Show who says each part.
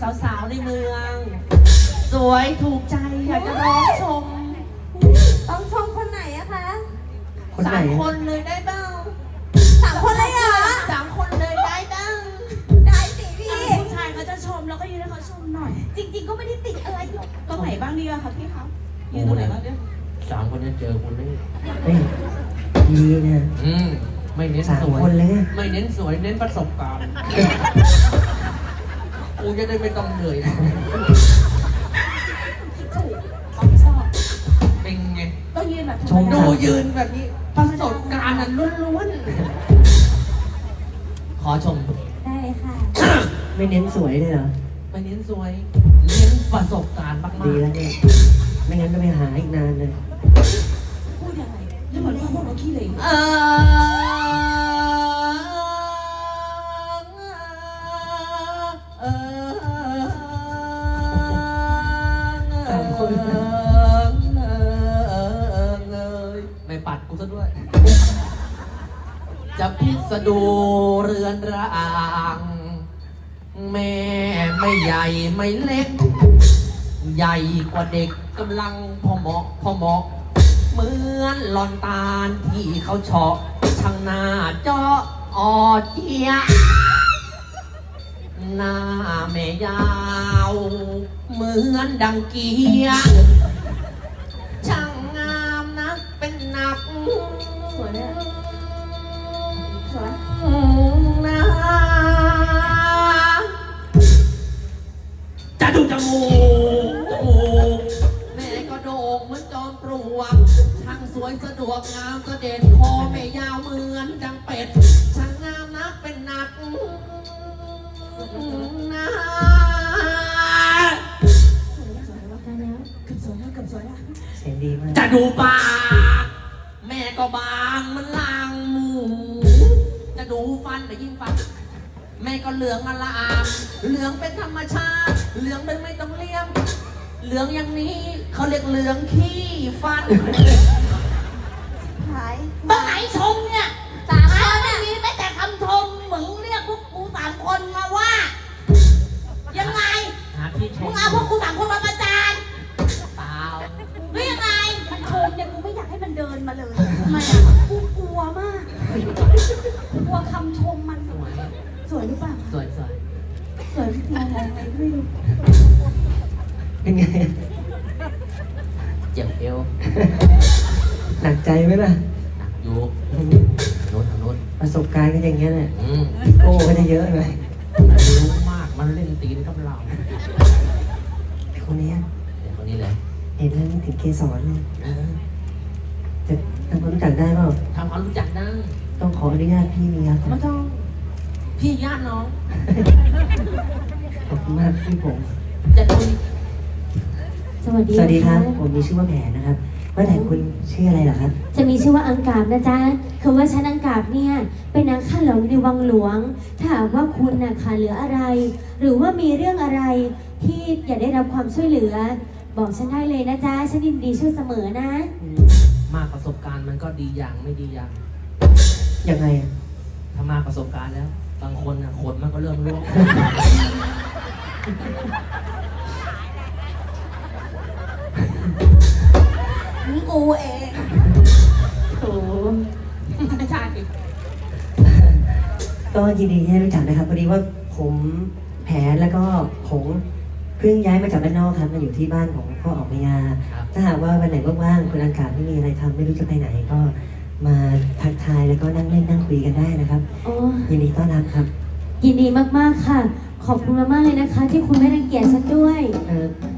Speaker 1: สาวๆในเมือง สวยถูกใจอยากจะร้องชม
Speaker 2: ต้องชมคนไหนอะคะ
Speaker 3: คนไหน
Speaker 1: 3 คนเลยได้บ้าง
Speaker 2: 3 คนเลยเหรอ
Speaker 1: 3 คนเลยได้บ้าง
Speaker 2: ได้สิพี่
Speaker 4: ผู้ชายเขาจะชมแล้วก็ยืนให้เขาชมหน่อย จริง ๆ ก็ไม่ได้ติดอะไรหรอกตรงไหนบ้างดีอะคะพี่คะยืนตรงไหนบ้างเนี่ย
Speaker 5: 3 คนจะเจอคนนี้
Speaker 3: เฮ้ยดีนะ
Speaker 5: ไม่เน้น
Speaker 3: 3
Speaker 5: สวย
Speaker 3: คนเลยไง
Speaker 5: ไม่เน้นสวยเน้นประสบการณ์กูจะได้ไม่ต้องเหนื่อย
Speaker 4: ถูกต้องชอบ
Speaker 5: เป็นไง
Speaker 4: ต้องยืนแบบ
Speaker 3: ชม
Speaker 5: ดู
Speaker 3: สาว
Speaker 5: ยืนแบบนี้ประสบการณ์นั้นล้วนๆขอชม
Speaker 2: ได้เลยค่ะ
Speaker 3: ไม่เน้นสวยเลยเหรอ
Speaker 5: ไม่เน้นสวย เน้นประสบการณ์มาก
Speaker 3: ดีแล้วเนี่ย ไม่งั้นก็ไปหาอีกนานเลย
Speaker 4: พูดยังไงจะเหมือนพวกเราขี้เหร่
Speaker 3: 3 คน
Speaker 5: ไม่ปัดกูซะด้วย จะพิสดูเรือนร่างแม่ไม่ใหญ่ไม่เล็ก ใหญ่กว่าเด็กกำลังพอเหมาะเหมือนหลอนตาลที่เขาเฉาะช่างหน้าเจาะออเจียหน้าแม่ยาวเหมือนดังเกียช่างงามนักเป็นหนัก
Speaker 4: สวยเนี่ยสวย
Speaker 5: นะจะดูจมูกแม่ก็โด่งเหมือนจอมปลวกช่างสวยสะดวกงามก็เด่นคอแม่ยาวเหมือนดังเป็ดช่างงามนักเป็นหนักนะ
Speaker 4: เกือบสวยแล้วเกือบสวยแล้ว
Speaker 3: เสียงดีมาก
Speaker 5: จะดูปากแม่ก็บางมันลางหมูจะดูฟันแต่ยิ่งฟันแม่ก็เหลืองอลามเหลืองเป็นธรรมชาติเหลืองเป็นไม่ต้องเลี่ยมเหลืองอย่างนี้เขาเรียกเหลืองขี้ฟัน
Speaker 2: หาย
Speaker 4: บ้าไหนชมเนี่ย3 คนไม่มีแม้แต่คำชมเหมือนเรียกพวกกู3 คนมาว่า ยังไง
Speaker 5: หาที่ช
Speaker 4: มึ
Speaker 5: ม
Speaker 4: งเอาพวกกู3 คนมาประจาน
Speaker 5: เปล่า
Speaker 4: หรือยังไงมันชมเนี่ยกูไม่อยากให้มันเดินมาเลยทำไมอ่ะกูกลัวมากกลัวคำชมมัน
Speaker 5: สวย
Speaker 4: สวยหรือเปล่า
Speaker 5: สวยสวย
Speaker 4: สวยจริงๆอะไรไม่รู้
Speaker 3: เป็นไง
Speaker 5: เจ็บเอว
Speaker 3: หนักใจไหมล่ะ
Speaker 5: หนักอยู่โน้นทางโน้น
Speaker 3: ประสบการณ์ก็อย่างเงี้ยแหละ
Speaker 5: อืม
Speaker 3: โก้ก็จะเยอะเลย
Speaker 5: รู้มากมันเล่นตีนกับเรา
Speaker 3: คนเนี้ย
Speaker 5: เดี๋ยวคนนี้เลย
Speaker 3: เห็นแล้วนึกถึงเกสรเลยจะทำความรู้จักได้เปล่า
Speaker 5: ทำความรู้จักได้
Speaker 3: ต้องขออนุญาตพี่เมียก่อ
Speaker 5: ไม่
Speaker 3: น
Speaker 5: ต้องพี่ญาติน้อง
Speaker 3: ขอบคุณมากพี่ผม
Speaker 5: จะคุย
Speaker 6: สวัสดี
Speaker 3: สวัสดีครับ
Speaker 6: นะะ
Speaker 3: ผมมีชื่อว่าแผนนะครับ ว่าแต่คุณชื่ออะไรเหรอครับ
Speaker 6: จะมีชื่อว่าอังกาบนะจ๊ะคือว่าฉันอังกาบเนี่ยเป็นนางข้าหลวงในวังหลวง ถ้าหากว่าคุณน่ะขาดเหลืออะไร หรือว่ามีเรื่องอะไรที่อยากได้รับความช่วยเหลือ บอกฉันได้เลยนะจ๊ะ ฉันยินดีช่วยเสมอนะ
Speaker 5: มากประสบการณ์มันก็ดีอย่างไม่ดีอย่าง
Speaker 3: ยังไงอะ
Speaker 5: ถ้ามากประสบการณ์แล้ว บางคนอ่ะขนมันก็เริ่มร่วง
Speaker 4: กูเอง
Speaker 3: โอ้
Speaker 4: ไม่ใช่
Speaker 3: ก็ยินดีที่ได้รู้จักนะครับพอดีว่าผมแผนแล้วก็ผมเพิ่งย้ายมาจากบ้านนอกครับมาอยู่ที่บ้านของพ่อออกพยา
Speaker 5: ครับ
Speaker 3: ถ้าหากว่าวันไหนว่างๆคุณอากาศไม่มีอะไรทำไม่รู้จะไปไหนก็มาทักทายแล้วก็นั่งเล่นนั่งคุยกันได้นะครับ
Speaker 6: อ๋อ
Speaker 3: ยินดีต้อนรับครับ
Speaker 6: ยินดีมากๆค่ะ ขอบคุณมากๆเลยนะคะ ที่คุณไม่รังเกียจฉันด้วย
Speaker 3: เออ